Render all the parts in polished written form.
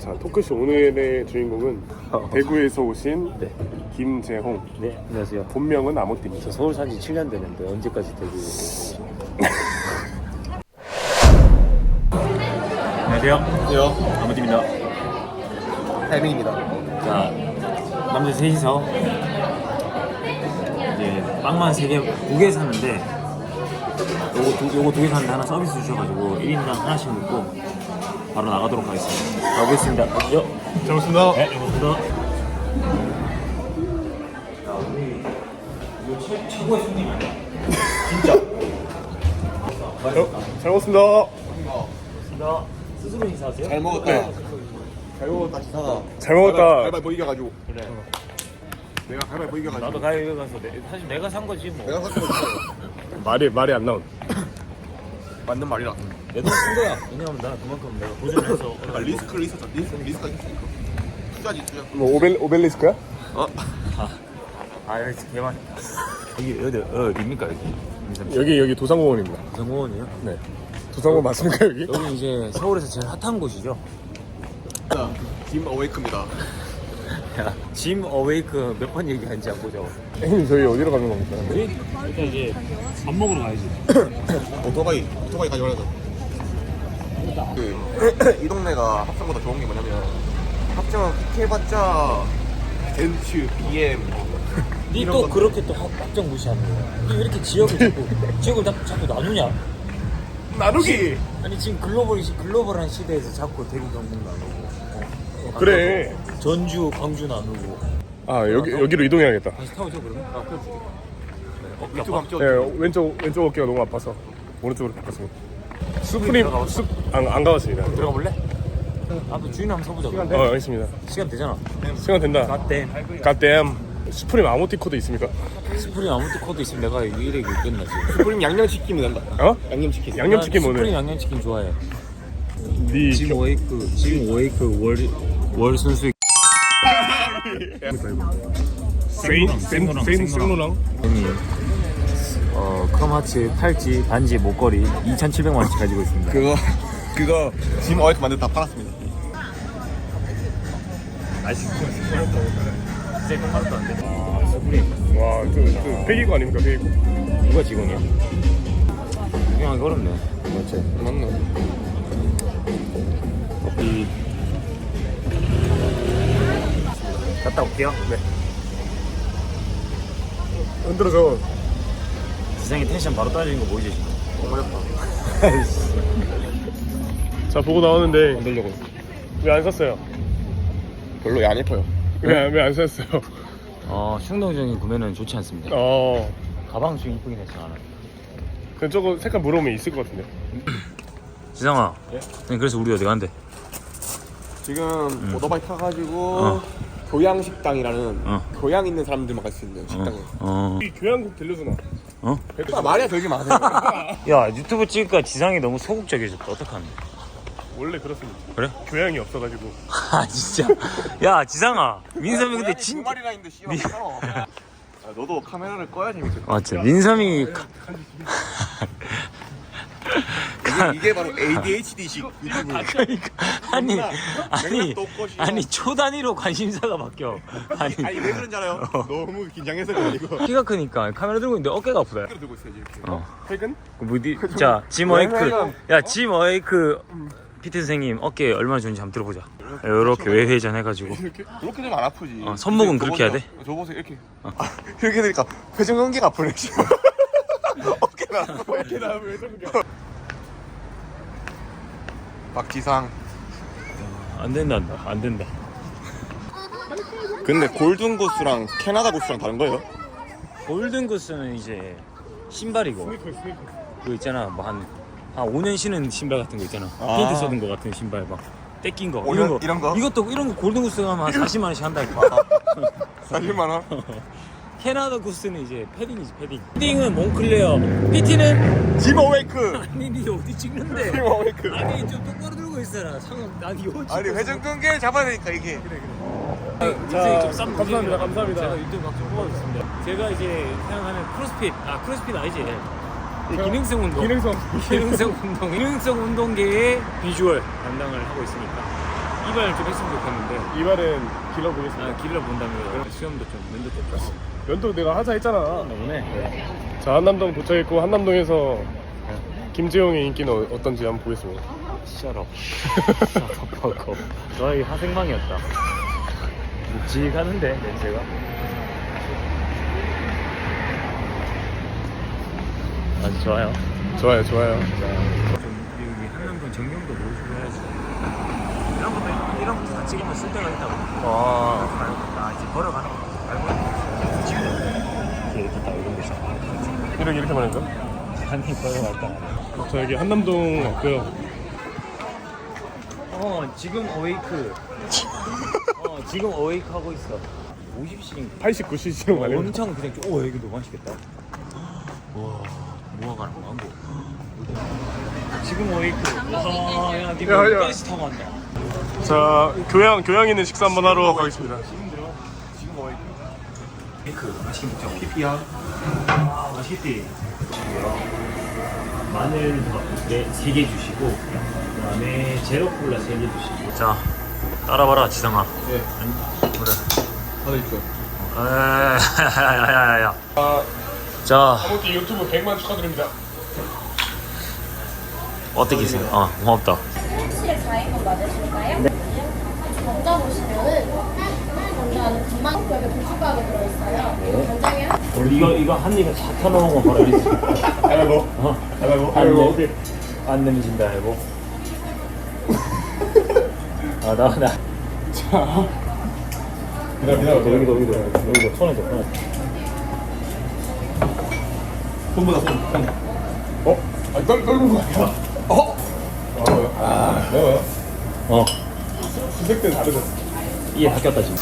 자, 토크쇼 오늘의 주인공은 대구에서 오신 네. 김재홍. 네, 안녕하세요. 본명은 아모띠입니다. 저 서울 산지 7년 됐는데 언제까지 대구? 안녕하세요. 안녕하세요. 아무팀입니다. 타이밍입니다. 자, 남자 셋이서 이제 빵만 2개 샀는데 요거 2개 샀는데 하나 서비스 주셔가지고 1인당 하나씩 먹고 바로 나가도록 하겠습니다. 가보겠습니다. 가시죠. 잘 먹습니다. 네, 잘 먹습니다. 야, 우리 이거 최고의 손님 아니야? 진짜. 잘 먹습니다. 고맙습니다. 스스로 인사하세요? 잘 먹었다. 네. 잘 먹었다 기사가. 잘 먹었다. 가위바위보 이겨가지고. 그래. 내가 가위바위보 이겨가지고. 나도 가위바위보 가서 사실 내가 산 거지 뭐. 내가 샀던 거 말이 안 나온. 맞는 말이라. 내 돈 쓴 거야. 왜냐면 나 그만큼 내가 도전해서 아, 리스크가 있으니까. 투자지 투자. 뭐 오벨리스크야? 어? 아 여기 개만. 여기 어디입니까 여기? 여기 도산공원입니다. 부산공원이요? 네. 도산공원 맞습니까 여기? 여기 이제 서울에서 제일 핫한 곳이죠. 김 어웨이크입니다. 야, 짐 어웨이크 몇 번 얘기하는지 안 보죠. 형님 저희 어디로 가는 겁니까? 우리 일단 이제 밥 먹으러 가야지. 오토바이 가져가려서. 이 동네가 합정보다 좋은 게 뭐냐면 합정 해봤자 벤츠, BM. 니 또 그렇게 또 확정 무시하는 거야. 니 왜 이렇게 지역을 자꾸 나누냐? 나누기. 아니 지금 글로벌한 시대에서 자꾸 대구 경북 나누고. 그래. 전주 광주 나누고. 아 여기로 이동해야겠다. 다시 타오죠 그러면? 아 그렇지. 어깨 유튜브 아파? 한번 네, 왼쪽 어깨가 너무 아파서 오른쪽으로 바꿨습니다. 수프림 안 가봤습니다. 들어가 볼래? 아또 주인 한번 서보자. 알겠습니다. 시간 되잖아. 시간 된다. 갓댐. 갓댐. 수프림 아모티 코드 있습니까? 스프링 아무튼 코드 있으면 내가 유일하게 끝나지. 스프림 양념치킨이 된다. 어? 양념치킨. 양념치킨 스프링 오늘. 양념치킨 좋아해. 네. 짐 오웨이크 월 순수. 생로랑. 형이 크롬하츠 팔찌 반지 목걸이 2,700만원씩 가지고 있습니다. 그거 짐 어웨이크 만들 다 팔았습니다. 진짜 하나도 안 돼. 아 스프링. 와, 저 폐기구 아닙니까 폐기구? 누가 직원이야? 구경하기 어렵네. 맞지. 맞나? 커피. 갔다 올게요. 네. 흔들어서. 지상의 텐션 바로 떨어지는 거 보이지 지금? 자 보고 나오는데 만들려고. 왜 안 샀어요? 별로 안 예뻐요. 왜 안 샀어요? 충동적인 구매는 좋지 않습니다. 가방 좀 이쁘긴 했어 나는. 그 저거 색깔 물어보면 있을 것 같은데. 지상아. 예? 네, 그래서 우리 어디 간대? 지금 오토바이 타가지고 교양식당이라는 교양 있는 사람들만 갈 수 있는 식당에. 이 교양국 들려주나? 말이야 되게 마세요. 야 유튜브 찍으니까 지상이 너무 소극적이졌다. 어떡하는데? 원래 그렇습니다. 그래? 교양이 없어가지고. 아 진짜. 야 지상아. 민섬이 근데 두 진짜. 마리나 있는데 씨발 괜찮아. 너도 카메라를 꺼야 재밌어. 맞지. 민섬이. 이게 바로 ADHD식 유튜브. 그러니까 아니 초 단위로 관심사가 바뀌어. 아니 아니 왜 그런지 알아요? 너무 긴장해서 그래 이거. 키가 크니까 카메라 들고 있는데 어깨가 아프다. 들고 있어야지 이렇게. 퇴근? 자, 짐 어웨이크. 야, 짐 어웨이크 피트 선생님 어깨 얼마나 좋은지 한번 들어보자. 이렇게 외회전 해가지고. 이렇게 좀 안 아프지. 손목은 그렇게 해야 돼? 저 보세요 이렇게. 이렇게 되니까 회전근개가 아프네. 어깨가 아파. 어깨나 왜 저렇게? 박지상. 안 된다. 근데 골든 고스랑 캐나다 고스랑 다른 거예요? 골든 구스는 이제 신발이고. 그거 있잖아, 뭐 한 5년 신은 신발 같은 거 있잖아. 페인트 써둔 거 같은 신발 막 떼낀 거. 이런 거? 이것도 이런 거 골든 구스 가면 한 40만 원씩 한다니까. 40만 원? 캐나다 구스는 이제 패딩이지 패딩. 패딩은 몽클레어. PT는 짐 어웨이크. 아니 니 어디 찍는데? 짐 어웨이크. 아니 좀 똑바로 들고 있어라. 상황 난 이거 아니 회전근개 잡아야 되니까 이게. 자, 감사합니다. 제가 유튜브 각좀 뽑아줬습니다. 제가 이제 생각하는 크로스핏 아니지? 기능성 운동. 기능성 운동계의 비주얼 담당을 하고 있으니까 이발 좀 했으면 좋겠는데 이발은 길러보겠습니다. 길러 본다면 수염도 좀 면도 좀 줬어. 면도 내가 하자 했잖아. 오네. 자, 한남동 도착했고 한남동에서 김재용의 인기는 어떤지 한번 보겠습니다. 셔럽. 셔럽하고 너의 화생망이었다. 묵직하는데 냄새가. 아주 좋아요. 좋아요, 좋아요. 좀 우리 한남동 전경도 모시고 해야지. 이런 것도 다 찍으면 쓸 데가 있다고. 아 이제 걸어가는 거 알고 있는 이렇게 딱 이런 데서 이렇게 말했죠? 한입 걸어갈까. 자, 여기 한남동 왔고요. 지금 어웨이크. 지금 어웨이크 하고 있어. 50씩 89cc로 가네. 엄청 그냥 여기 너무 맛있겠다. 와 뭐가 가는 거야 뭐. 지금 어웨이크. 야 야, 니가 야. 버스 타고 간다. 자, 교양 있는 식사 한번 하러 가겠습니다. 지금 어웨이크. 그 맛있게 먹자. PP야. 맛있겠지. 마늘 3개 주시고 그다음에 제로 콜라 3개 주시고. 자 따라봐라 지상아. 네. 그래. 하나 있죠. 야야야야. 자 아무튼 유튜브 100만 축하드립니다. 어떻게 있어요? 고맙다. 혹시 가입은 맞으실까요? 네. 먼저 보시면은 먼저 안에 금방 여기 도축가게 들어있어요. 간장에 이거 한 입에 다 타놓은 거 바로 이렇게. 아이고, 아이고. 안 내미신다 아이고. 나. 자, 기다려. 여기도 손에 줘. 손보다 손. 떨군 거 아니야? 매워요? 수색 때는 다르죠? 이게 바뀌었다 지금.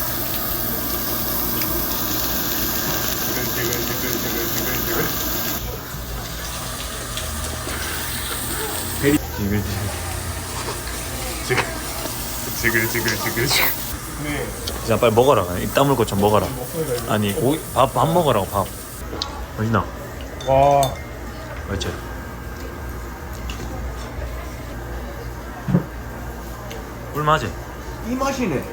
지글. 네. 자 빨리 먹어라. 입 다물고 좀 먹어라. 아니 밥 먹으라고 밥. 맛있나? 와, 맞지? 꿀맛이. 이 맛이네.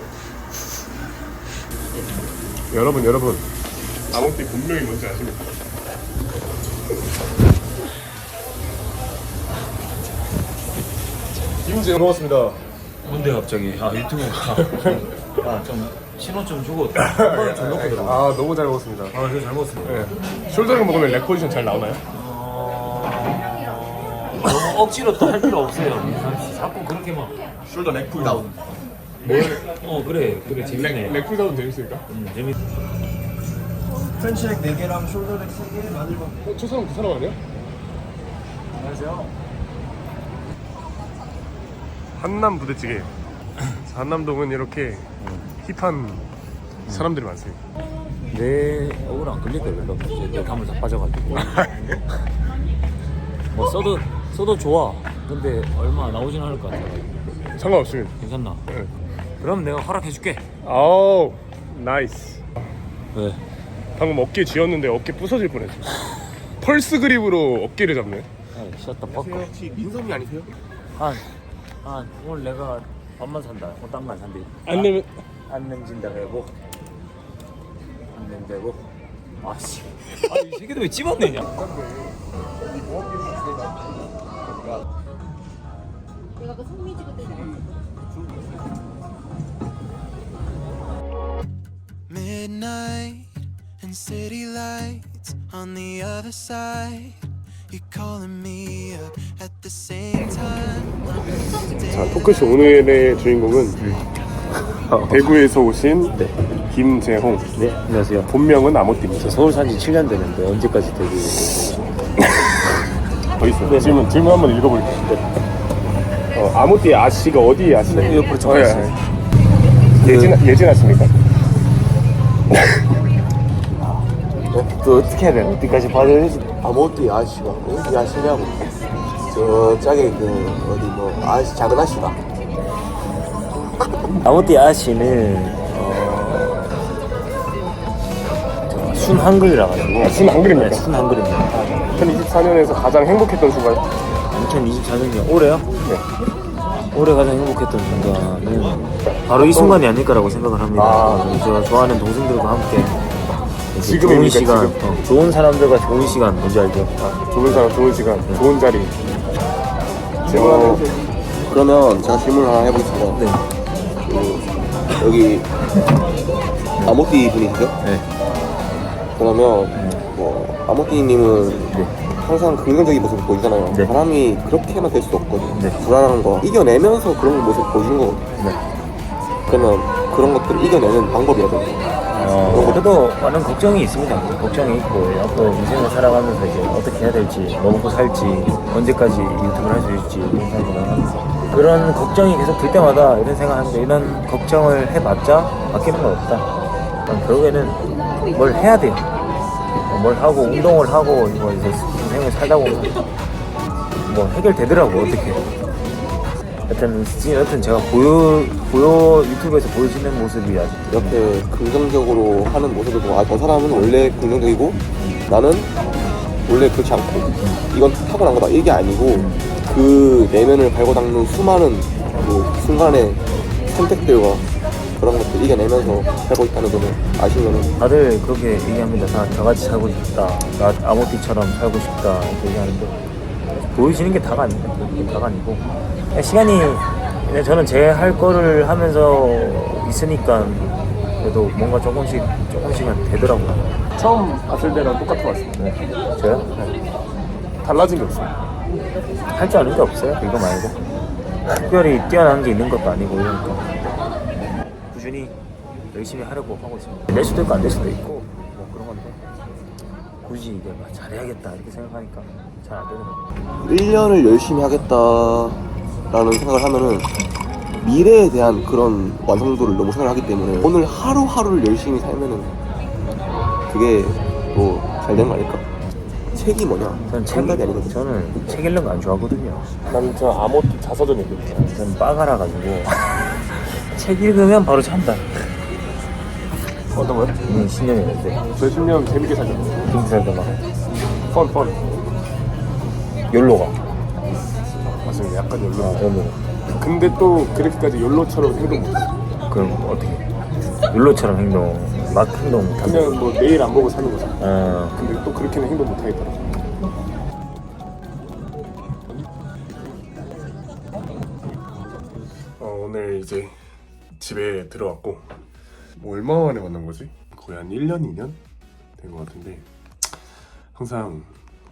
여러분. 아몬띠 분명히 뭔지 아십니까? 김재용 먹었습니다. 뭔데 갑자기? 유튜브가 좀 신호 좀 주고 좀 놓고 들어. 아, 너무 잘 먹었습니다. 이거 잘 먹었습니다. 네. 숄더링 먹으면 렉 포지션 잘 나오나요? 너무 억지로 또 할 필요 없어요. 민상 씨 자꾸 그렇게 막. 숄더 렉풀 다운. 그래 재밌네. 렉 풀다운 재밌으니까? 재밌. 프렌치렉 4개랑 숄더 렉 3개, 마늘밥. 저 사람 그 사람 아니야? 안녕하세요. 한남 부대찌개. 한남동은 이렇게 힙한 사람들이 많습니다. 내 얼굴 안 걸릴 거야 별로. 이제 내 감을 다 빠져가지고. 뭐 써도 좋아. 근데 얼마 나오진 않을 것 같아. 상관없습니다. 괜찮나? 네. 그럼 내가 허락해줄게. 아우, 나이스. 왜? 방금 어깨 쥐었는데 어깨 부서질 뻔했어. 펄스 그립으로 어깨를 잡네. 샷다 바꿔. 혹시 민섭이 아니세요? 오늘 내가 밥만 산다. 딴만 산대. 안 내면 안 nem진다 해보. 안 nem되고. 아씨. 이 새끼들 왜 집어내냐? 내가 그 송미지 그때 Midnight and city lights on the other side. You're calling me up at the same time. 자, 토크쇼 오늘의 주인공은 대구에서 오신 김재홍. 네, 안녕하세요. 본명은 아모띠입니다. 서울 산지 7년 되는데 언제까지 되고 더 있어요. 질문 한번 읽어볼게요. 아모띠의 아씨가 어디에 아씨예요? 옆으로 적혀 있어요. 예진 아씨입니까? 또 어떻게 해야 돼? 어디까지 받아야 되지? 아무것도 아저씨가 어디 아저씨냐고 저 짝에 그 어디 뭐 아저씨 작은 아저씨가 아모띠 아씨는 순 한글이라 가지고. 순 한글입니까? 네, 순 한글입니다. 2024년에서 가장 행복했던 순간? 2024년이요? 올해요? 네. 올해 가장 행복했던 순간은 바로 이 순간이 아닐까라고 생각을 합니다. 제가 좋아하는 동생들과 함께 이제 좋은 지금입니까, 시간, 지금? 좋은 사람들과 좋은 시간 뭔지 알죠? 좋은 사람, 좋은 시간, 좋은 자리. 그러면 제가 질문 하나 해보겠습니다. 네. 여기 아모띠 분이시죠? 네. 그러면 뭐 아모띠님은 항상 긍정적인 모습을 보이잖아요. 네. 사람이 그렇게만 될 수 없거든요. 네. 불안한 거 이겨내면서 그런 모습 보여주는 거거든요. 네. 그러면 그런 것들을 이겨내는 방법이라든지 그래도 많은 걱정이 있습니다. 걱정이 있고 앞으로 인생을 살아가면서 이제 어떻게 해야 될지, 뭐 먹고 살지, 언제까지 유튜브를 할 수 있을지 이런 생각을 그런 걱정이 계속 들 때마다 이런 생각하는데 이런 걱정을 해봤자 바뀌는 건 없다. 결국에는 뭘 해야 돼요. 뭘 하고 운동을 하고 뭐 이제 인생을 살다 보면 뭐 해결되더라고 어떻게. 여튼 제가 보여 유튜브에서 보여지는 모습이 아직 이렇게 긍정적으로 하는 모습을 보고 저 사람은 원래 긍정적이고 나는 원래 그렇지 않고 이건 타고난 거다 이게 아니고 그 내면을 갈고 닦는 수많은 그 순간의 선택들과 그런 것들 이겨내면서 살고 있다는 점을 아시면은 다들 그렇게 얘기합니다. 다 저같이 살고 싶다. 나 아모띠처럼 살고 싶다. 이렇게 얘기하는데 보여지는 게 다가 아닙니다. 그게 다가 아니고 그냥 시간이 그냥 저는 제 할 거를 하면서 있으니까 그래도 뭔가 조금씩은 되더라고요. 처음 봤을 때랑 똑같은 것 같습니다. 네. 저요? 달라진 게 없어요. 할 줄 아는 게 없어요. 이거 말고 특별히 뛰어난 게 있는 것도 아니고 이러니까 꾸준히 열심히 하려고 하고 있습니다. 될 수도 있고 안 될 수도 있고 뭐 그런 건데 굳이 이게 막 잘해야겠다 이렇게 생각하니까 잘 안 되더라고요. 1년을 열심히 하겠다라는 생각을 하면은 미래에 대한 그런 완성도를 너무 생각을 하기 때문에 오늘 하루하루를 열심히 살면은 그게 뭐 잘 되는 거 아닐까? 책이 뭐냐? 저는 생각이 아니거든요. 저는 책 읽는 거 안 좋아하거든요. 나는 저 아모띠 자서전 읽었어요. 저는 빠가라 가지고 책 읽으면 바로 잔다. 어떤 거요? 신념이었는데 저 10년 재밌게 살죠. 김살도 막 펀. 욜로가 맞습니다. 약간 열로. 욜로. 근데 또 그렇게까지 열로처럼 행동 못해요. 그럼 어떻게? 욜로처럼 막 행동 못하고. 그냥 뭐 내일 안 보고 사는 거죠. 어, 근데 또 그렇게는 행동 못 하겠더라고요. 오늘 이제 집에 들어왔고 뭐 얼마 만에 만난 거지? 거의 한 1년, 2년 된 것 같은데 항상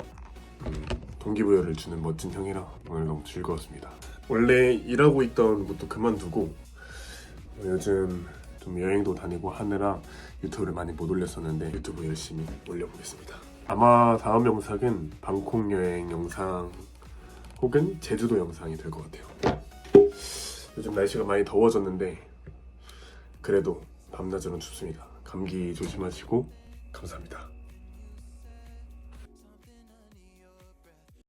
동기부여를 주는 멋진 형이라 오늘 너무 즐거웠습니다. 원래 일하고 있던 것도 그만두고 요즘 좀 여행도 다니고 하느라 유튜브를 많이 못 올렸었는데 유튜브 열심히 올려보겠습니다. 아마 다음 영상은 방콕 여행 영상 혹은 제주도 영상이 될 것 같아요. 요즘 날씨가 많이 더워졌는데 그래도 밤낮으로는 춥습니다. 감기 조심하시고 감사합니다.